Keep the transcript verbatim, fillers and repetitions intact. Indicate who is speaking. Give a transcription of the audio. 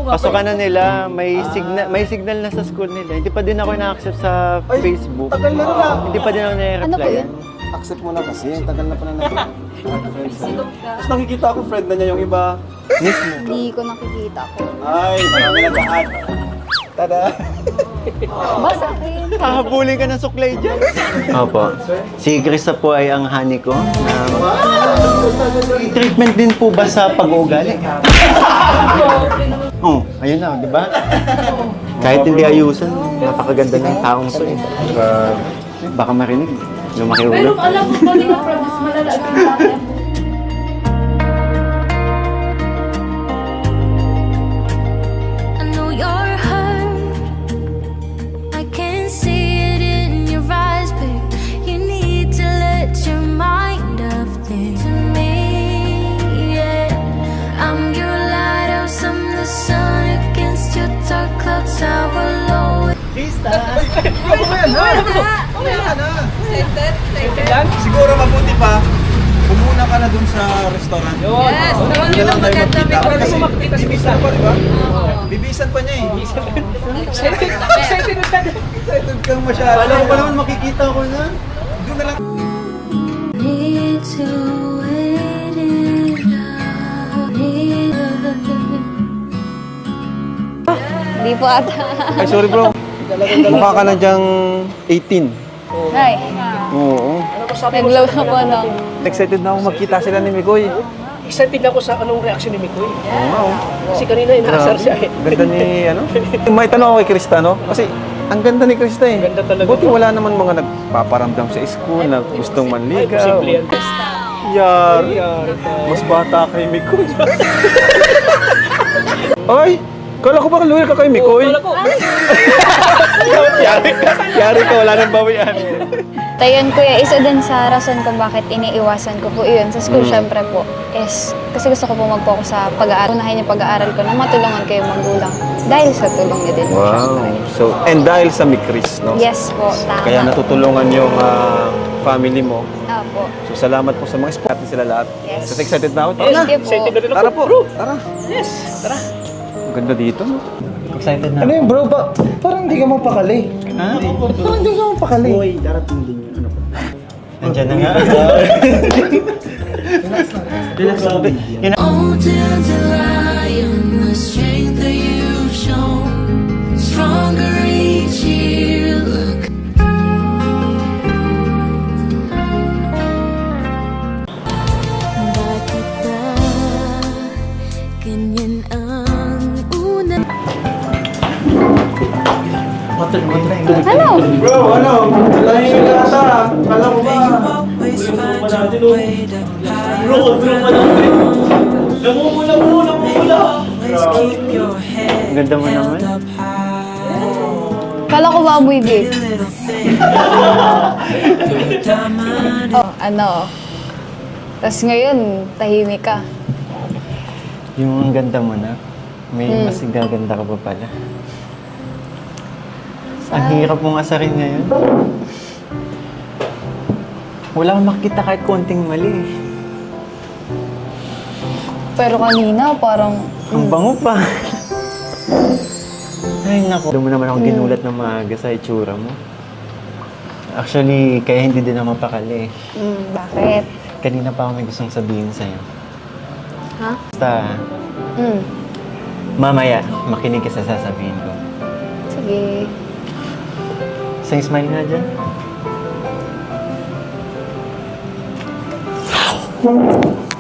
Speaker 1: Pasukan na nila, may signal may signal na sa school nila. Hindi pa din ako na-accept sa
Speaker 2: Ay,
Speaker 1: Facebook.
Speaker 2: tagal na na.
Speaker 1: Hindi pa din ako
Speaker 3: Ano ba
Speaker 1: na-reply.
Speaker 3: yun?
Speaker 2: Accept mo na kasi, ang tagal na pala na. Tapos nakikita ko friend na niya yung iba.
Speaker 1: Mismo.
Speaker 3: Hindi ko nakikita ko.
Speaker 2: Ay, marami na daan. Tada!
Speaker 3: Ba sa akin?
Speaker 1: Hahabulin ka ng suklay dyan. Opo. Si Krista po ay ang honey ko. Um, treatment din po ba sa pag-uugali? Oh, ayun na, di ba? Kahit hindi ayusan, napakaganda ng taong to eh. Uh, baka marinig, lumaki ulo.
Speaker 4: Pero alam mo ba nila, promise, malala ang dati.
Speaker 5: I know you're hurt. I can see it in your eyes, babe. You need to let your mind off things. To me, yeah. I'm your lighthouse, I'm the sun against your dark clouds. I will always.
Speaker 2: Siguro mabuti pa, pumuna ka na dun sa restaurant.
Speaker 4: Yes, naman
Speaker 2: Yan
Speaker 4: yun
Speaker 2: lang
Speaker 4: ang
Speaker 2: tayo
Speaker 4: maganda.
Speaker 2: magkita.
Speaker 4: May
Speaker 2: Kasi
Speaker 4: magkita sa
Speaker 2: bibisan pa, di ba? Bibisan pa niya eh.
Speaker 4: Excited na tayo.
Speaker 2: Excited kang masyado.
Speaker 1: Alam ko pa naman makikita ko na.
Speaker 2: Doon na lang.
Speaker 5: Need to wait it out. Need
Speaker 3: Hindi po ata.
Speaker 2: Ay, sorry bro. Mukha ka na dyang eighteen.
Speaker 3: Ay,
Speaker 2: Oo.
Speaker 3: naglaw na po ano.
Speaker 2: Excited na ako magkita sila ni Mikoy.
Speaker 6: Excited ako sa anong reaction ni Mikoy.
Speaker 2: Oo nga oh.
Speaker 6: Kasi kanina inaasar siya eh.
Speaker 2: Ganda ni ano? May tanong ako kay Krista, no? Kasi ang ganda ni Krista eh.
Speaker 6: Ganda talaga.
Speaker 2: Buti wala naman mga nagpaparamdam sa school na gustong
Speaker 6: Ay,
Speaker 2: manligaw.
Speaker 6: posible yan.
Speaker 2: Yari.
Speaker 6: Yari tayo.
Speaker 2: Mas bata kay Mikoy. Ay! Kala ko ba loyal ka kay Mikoy?
Speaker 6: Kala ko.
Speaker 2: Yari ka. Yari ka, wala nang bawian.
Speaker 3: Tayon kuya, isa din sa rason kung bakit iniiwasan ko po yun sa school,
Speaker 2: Mm.
Speaker 3: syempre po, is kasi gusto ko po mag-focus sa pag-aaral. Unahin yung pag-aaral ko na matulungan kayo magulang. Dahil sa tulong niyo din po,
Speaker 2: Wow.
Speaker 3: syempre.
Speaker 2: So, and dahil sa Mikris, no?
Speaker 3: Yes po, tama.
Speaker 2: Kaya natutulungan yung ah, family mo.
Speaker 3: Opo.
Speaker 2: So, salamat po sa mga sport natin sila lahat.
Speaker 3: Yes.
Speaker 2: Kasi excited na ako. Tara
Speaker 6: Yes,
Speaker 2: na.
Speaker 3: Sige po.
Speaker 6: excited na rin ako.
Speaker 2: Tara po. Tara.
Speaker 6: Yes, tara.
Speaker 2: Ang ganda dito, no?
Speaker 1: Excited na.
Speaker 2: Ano yun, bro? Ba parang hindi ka mapakali.
Speaker 1: Ha?
Speaker 2: Parang hindi ka mapakali.
Speaker 6: Uy, darating din yun. Ano po?
Speaker 1: Nandiyan na nga. Relax lang. Yun na-
Speaker 5: Oh, dandelion, the strength that you've shown, stronger each year. Look. Bakit ba ganyan ang una?
Speaker 3: Ano?
Speaker 2: Bro, ano? Malayo yung lasa. Kala mo ba?
Speaker 6: Bro, bro pa lang. Namumula mo, namumula.
Speaker 1: Ang ganda mo naman.
Speaker 3: Kala ko ba amoy vape? Oh, ano? Tapos ngayon, tahimik ka.
Speaker 1: Yung ang ganda mo na. May
Speaker 3: Hmm.
Speaker 1: mas gaganda ka pa pala. Ang hirap mong asarin ngayon. Wala kang makita kahit konting mali. eh.
Speaker 3: Pero kanina, parang...
Speaker 1: Ang bango pa. Ay, naku. Doon mo naman ako ginulat ng maaga sa itsura mo. Actually, kaya hindi din ako mapakali.
Speaker 3: Hmm, bakit?
Speaker 1: Kanina pa ako may gustong sabihin sa'yo.
Speaker 3: Ha?
Speaker 1: Basta,
Speaker 3: Hmm,
Speaker 1: mamaya, makinig ka sa sasabihin ko.
Speaker 3: sige.
Speaker 1: Isang smile nga dyan.